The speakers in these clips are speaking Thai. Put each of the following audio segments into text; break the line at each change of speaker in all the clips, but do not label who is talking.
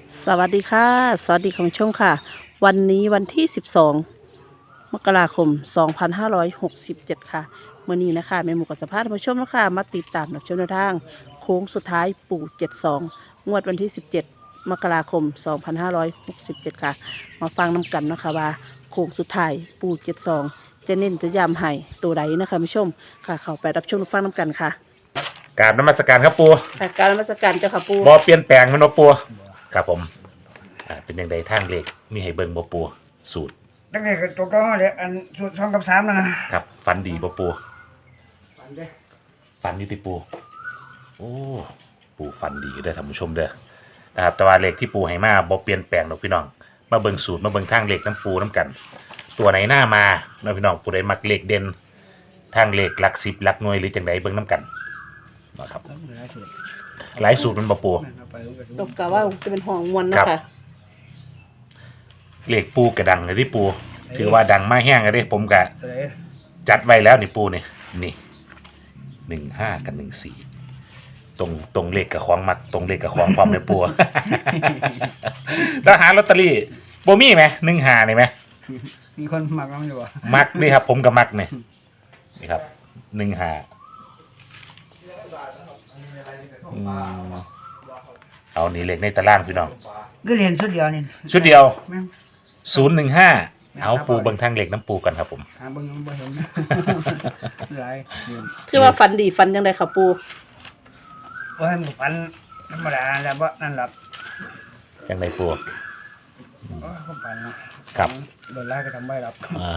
สวัสดีค่ะสวัสดีของช่วงค่ะวันนี้วันที่12มกราคม2567ค่ะเมื่อนี้นะคะแม่หมูกับสภาพท่านผู้ชมนะคะมาติดตามรับชมแนวทางโค้งสุดท้ายปู่72งวดวันที่17มกราคม2567ค่ะมาฟังนำกันนะคะว่าโค้งสุดท้ายปู่72จะเน้นจะย้ำให้ตัวใดนะคะผู้ชมค่ะเข้าไปรับชมรับฟังนำกันค่ะ
กราบนมัสการครับปู
ค่ะการนมัสการเจ้าค่ะปู่
บ่เปลี่ยนแปลงมันบ่ปูครับผมเป็นยังไงทางเลขมีให้เบิ่งบ่ปูสูตร
ตั้งแต่ตัวเก็เลยอันสูตร2 กับ 3นะครับ
ฝันดีบ่ปู
ฝันเด้อ
ฝันอยู่ติปูโอ้ปูฝันดีเด้อท่านผู้ชมเด้อนะครับแต่ว่าเลขที่ปูให้มาบ่เปลี่ยนแปลงดอกพี่น้องมาเบิ่งสูตรมาเบิ่งทางเลขน้ำปูน้ำกัน ตัวไหนหน้ามาเนาะพี่น้องผู้ใดมักเลขเด่นทางเลขหลัก10หลักหน่วยหรือจังไดเบิ่งน้ำกันนะครับหลายสูตรมันบ่ปู
ตกกะว่าจะเป็นห่องมวล
ค
เนาะ
รับ
ค่ะ
เลขปูกระดังเลยที่ปูถือว่าดังมากแห้งเลยผมกะ
ตัวไหน
จัดไว้แล้วนี่ปูนี่15กับ14ตรงเลขกับของมัดตรงเลขกับของความในปู แล้วหาลอตเตอรี่โบมี่ไหม15นี่ไหม
มีคนหมักน้ำอยู่บ่
มักนี่ครับผมกับมักนี่ครับ15เอานี่เลขในตารางพี่น้อง
ก็เรียนชุดเดียวนี่
ชุดเดียว
แม่ง
015เอาปูเบิ่งทางเลขน้ำปูกันครับผม
หาเบิ่งบ่เห็นหลายเรียน
คือว่าฟันดีฟันยังไงค่ะปู
บ่ให้มันฝันธรรมดาแล้วบ่นั่นล่ะ
ยังไงปู
โอ้ยผมฝันเนาะ
ครับ
โดนไล่ก็ทำไม่รับ
อ่า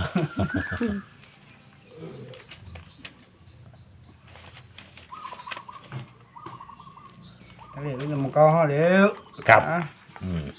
ทะเลก็ยังมันก็ห่อเร็ว
ครับ
อ่ะ
อืม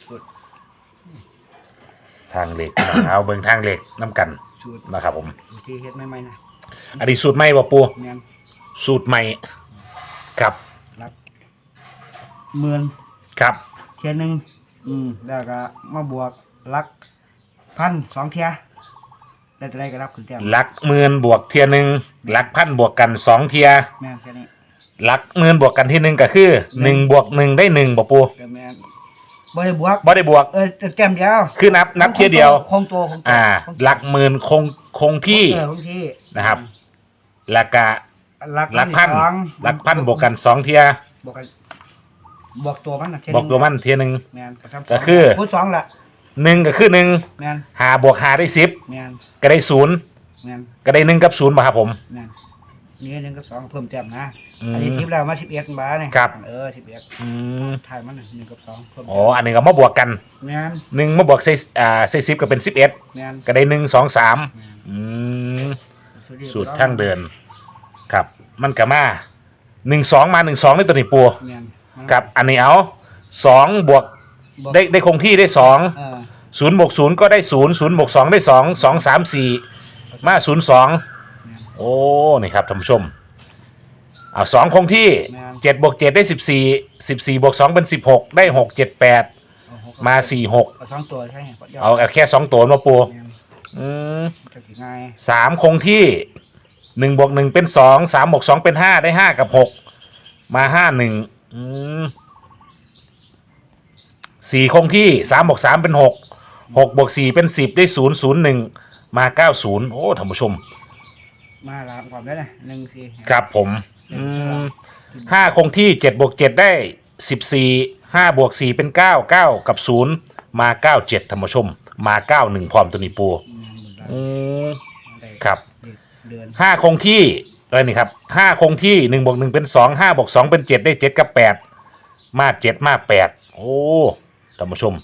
ทางเหล็กพี่น้องเอาเบิ่งทางเหล็กน้ำกัน
สูตร
นะครับผม
ที่เฮ็ดใหม่ๆนะ
อันนี้สูตรใหม่บ่ปู
แม่น
สูตรใหม่ครับ
รับหมื่น
ครับ
เที่ยหนึงแล้วก็มาบวกหลักพัน2เที่ยได้เท่าใดก็รับขึ้นแต้ม
หลักหมื่นบวกเทียหนึ่งหลักพันบวกกัน2เทีย
แม่นแค่นี้
หลักหมื่นบวกกันที่1ก็คือ1บวก1ได้1บ่ปู
ก็แม่นบ่ได้บวก
บ่ได้บวก
แต้มเดียว
คือนับเทียเดียว
คงตัว
หลักหมื่นคงที่
คงที่
นะครับแล้วก็ หลักพัน
สอง
หลักพันบวกกัน2เทีย
บวกกันบวกตัวมันน่ะ
บอกตัวมันเทียหนึง
แม่นทำ
ก็คือ
พูดสองล่ะ
1ก็คือ1
แม่น
5บวก5ได้10
แม่น
ก็ได้0
แม่น
ก็ได้1กับ0ป่ะครับผม
แม่นนี่1กับ2เพิ่มแต้มนะ
อืม
อันนี้10แล้วมา11บาทนี่
ครับ
11
อืม
ถ่ายมันน่ะ1กับ2เพิ่ม
อ๋ออันนี้ก็มาบวกกัน
แม่น
1มาบวกใส่10ก็เป็น11
แม่น
ก็ได้1 2 3อืม
ดียว
สูตรทางเดิน ครับ มันก็มา1 2มา1 2ในตัวนี้ปู
แม่น
กับอันนี้เอา2บวกได้คงที่ได้2 0บวก0ก็ได้0 0บวก2ได้2 2 3 4มา0 2โอ้นี่ครับท่านผู้ชมเอา2คงที่7บวก7ได้14 14บวก2เป็น16ได้6 7 8มา4 6
เอา2ตัวใช่ไหม
เอาแค่2ตัวมาปู
แม่น
อืม
จะสิง่าย
3คงที่1บวก1เป็น2 3บวก2เป็น5ได้5กับ6มา5 14คงที่3บวก3เป็น6 6บวก4เป็น10ได้0 0 1มา90โอ้ท่านผู้ชม
มาลามความได้นะ1 4
ครับผม5คงที่7บวก7ได้14 5บวก4เป็น9 9กับ0มา97ท่านผู้ชมมา91พร้อมตัวนี้ปูครับ
เดือน
5คงที่นี่ครับ5คงที่1บวก1เป็น2 5บวก2เป็น7ได้7กับ8มา7มา8โอ้ท่านผู้ชม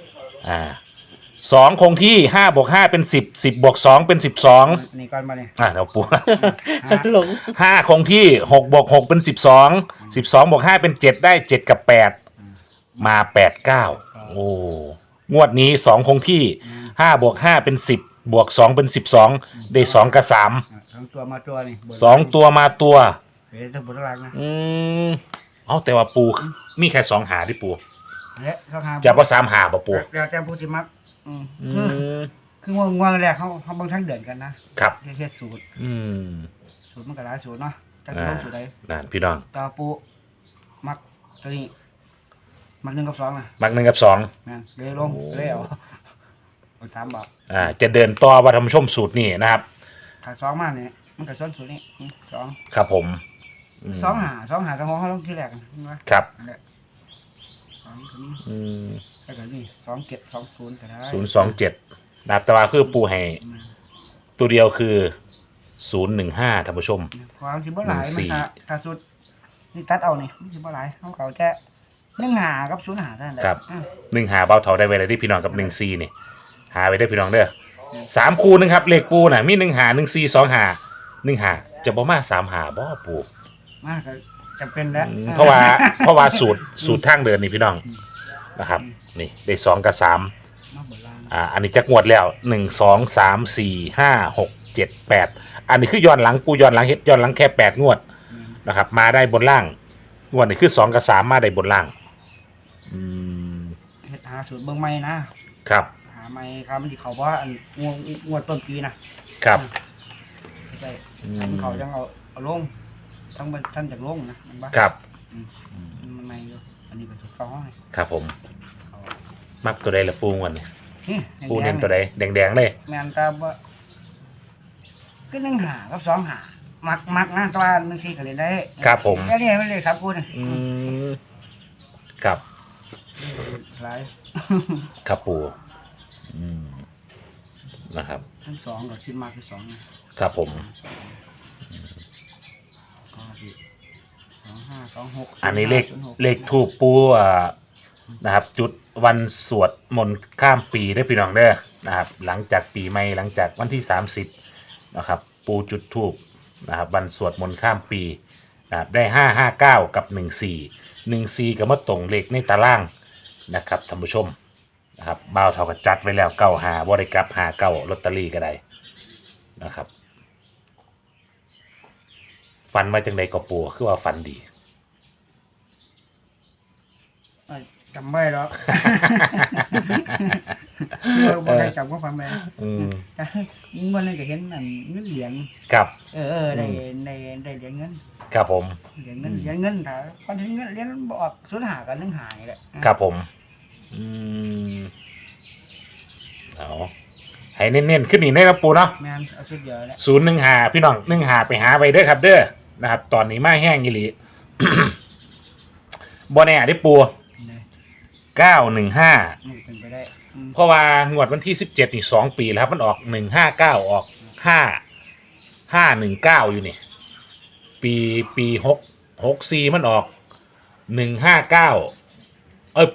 2คงที่5บวก5เป็น10 10บวก2เป็น12
นี่ก่อนมาเนี่ย
เดี๋ยวปู
หลง
5คงที่6บวก6เป็น12 12บวก5เป็น7ได้7กับ8มา8 9โอ้งวดนี้2คงที่5บวก5เป็น10บวก2เป็น12ได้2กับ3
2ตัวมาตัวนี่
2ตัวมาตัว
เฮ้ยทั้งบนทั้งล่างนะ
เอาแต่ว่าปูมีแค่2หาที่ปู
และเขาหา
จะว่า3หาป่ะปู
แล้วแต่ผู้สิมักคือง่วงแรกเขาบางทั้งเดือนกันนะครับ เฮ็ดสูตรมันก็หลายสูตรเนาะจักต้องสูตรใด
นั่นพี่น้อง
ตาปูมักตัวนี้มัก1กับ2นะ
มัก1กับ2
แม่นเลยลงเลยเอา3บาท
จะเดินต่อว่าท่านผู้ชมสูตรนี้นะครับ
ถ้า2มาเนี่ยมันก็ส้นสูตรนี้2
ครับผม
2หา2ของเขาลงที่แรกนะครับนั่นแหละ2ตัวนี้แล้วก็นี่2720ก็ได้
027นะครับแต่ว่าคือปูให้ตัวเดียวคือ015ท่านผู้ชม
ความสิบ่หลายมันถ้าสุดนี่ตัดเอานี่มันสิบ่หลายเขาแค่1 กับ0 เท่านั้นแหละ
ครับ1 เบาเท่าได้ไว้เลยที่พี่น้องกับ1 นี่หาไว้ได้พี่น้องเด้อ3คู่นึงครับเลขปูน่ะมี1 1 4 2 1 จะบ่มา3 บ่ปู
มาก็จะเป็นแล้ว
เพราะว่าสูตรทางเดินนี่พี่น้องนะครับนี่ได้2 กับ 3อันนี้จักงวดแล้ว1 2 3 4 5 6 7 8อันนี้คือย้อนหลังปูย้อนหลังเฮ็ดย้อนหลังแค่8 งวดนะครับมาได้บนล่างงวดนี้คือ2 กับ 3มาได้บนล่าง
เฮ็ดหาสูตรเบิ่งใหม่นะครับหาใหม่ครับมันสิเขาว่าอันงวดต้นปีนะครับใช่เขาจังเอาลงทั้งท่านจากลงนะมันบ่
ครับ
มันใหม่อยู่อันนี้ก็ถูกต้อง
ครับผมมักตัวใดละปูงวันนี้
นี่
ปูเน้นตัวใดแดงๆเลย
แม่นตาบ่ก็1 หากับ2 หามักนะแต่ว่า1 4ก็เล่นได้
ครับผม
แค่นี้มันเลย3คู่นี่
ครับ
หลาย
ครับปูนะครับ
ทั้ง2ก็คิดมากคือ2
นะครับผมอันนี้เลขทูปปูนะครับจุดวันสวดมนต์ข้ามปีได้พี่น้องเด้อนะครับหลังจากปีใหม่หลังจากวันที่30นะครับปูจุดทูปนะครับวันสวดมนต์ข้ามปีนะครับได้559กับ14ก็มาตรงเลขในตารางนะครับท่านผู้ชมนะครับบ่าวเท่ากับจัดไว้แล้ว95บ่ได้กลับ59ลอตเตอรี่ก็ได้นะครับฟันมาจังใดก็ปูคือว่าฟันดี
จำไม่หรอกบ่ได้จำก็ฟังไปมันเลยก็เห็นนั่นเงินเหรียญ
ครับ
ได้เหรียญเงิน
ครับผม
เหรียญเงินถ้าพอถึงเงินเหรียญบอก0 หากับ1 หานี่แหละ
ครับผมเอาให้เน้นๆขึ้นนี่ได้นะปูเนาะ
แม่นเอาชุดเดียวแหละ
015พี่น้อง1 ไปหาไปเด้อครับเด้อนะครับตอนนี้มาแห้งอีหลีบ่แน่ได้ปู915
เป็นไปได้
เพราะว่างวดวันที่17นี่2 ปีแล้วครับมันออก159ออก519อยู่นี่ปี64มันออก159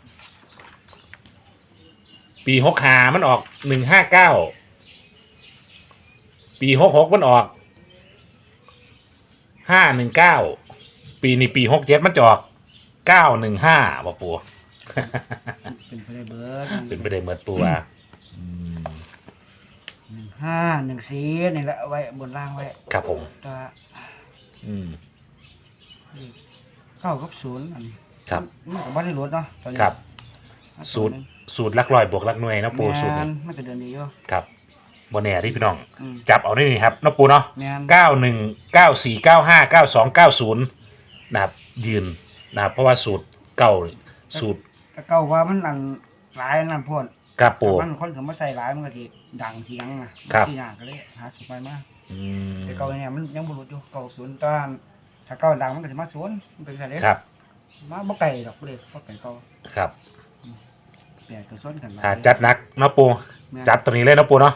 ปี65มันออก159ปี66มันออก519ปีนี้ปี67มันจะออก915บ่ปู
เป็นไปได้เบิด
เป็นไปได้เบิดปูว่า
1514นี่แหละเอาไว้บนล่างไว้
ครับผม
ตัว9 กับ 0อัน
ครับ
มันก็บ่ได้ลดเนาะตอนนี้
ครับสูตรหลักร้อยบวกหลักหน่วยนะปูสูตรนี้
มันก็เดินดีอยู่
ครับบ่แน่ที่พี่น้องจับเอาได้นี่ครับนะปูเนาะ91 94 95 92 90นะครับยืนนะครับเพราะว่าสูตรเก่าสูตร
เก่าว่ามันอันหลายนั่นพ่น
ครับปู
มันคนถึงมาใส่หลายมันก็สิดังทีหลังนะที่หน้าก็เลยหาสูตรใหม่มาแต่เก่าเนี่ยมันยังบ่รู้อยู่เก่า0ตอนถ้าเก่าดังมันก็สิมา0มันเป็นไสเด้
ครับ
มาบ่ไกลดอกเลยบ่ไกลเก่า
ครับ
แปดก็ซ้นกัน
จัดหนักเนาะปูจัดตัวนี้เลยเนาะปูเนาะ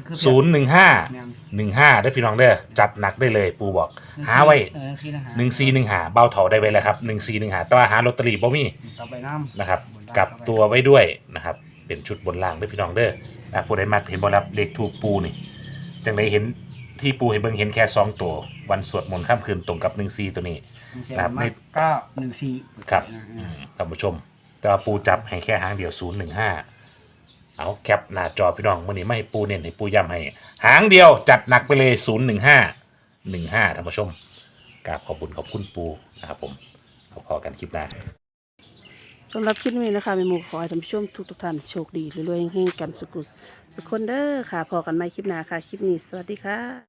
015ได้พี่น้องเด้อจัดหนักได้เลยปูบอกหาไว้1415เบาเถาได้ไว้แล้วครับ1415แต่ว่าหาลอตเตอรี่บ่มีนะครับกลับตัวไว้ด้วยนะครับเป็นชุดบนล่างด้วยพี่น้องเด้อนะผู้ใดมักเห็นบ่รับเลขถูกปูนี่จังได๋เห็นที่ปูให้เบิ่งเห็นแค่2ตัววันสวดมนต์ค่ำคืนตรงกับ14ตัวนี้
นะครับใน914
ครับท่านผู้ชมแต่ว่าปูจับให้แค่หางเดียว015เอาแคปหน้าจอพี่น้องวันนี้ไม่ให้ปูเน้นให้ปูย้ำให้หางเดียวจัดหนักไปเลย015ท่านผู้ชมกราบขอบคุณปูนะครับผมพอกันคลิปหน้า
สำหรับคลิปนี้นะคะมีหมู่ขอให้ท่านผู้ชมทุกท่านโชคดีรวยๆเฮงๆกันสุขคนเด้อค่ะพอกันใหม่คลิปหน้าค่ะคลิปนี้สวัสดีค่ะ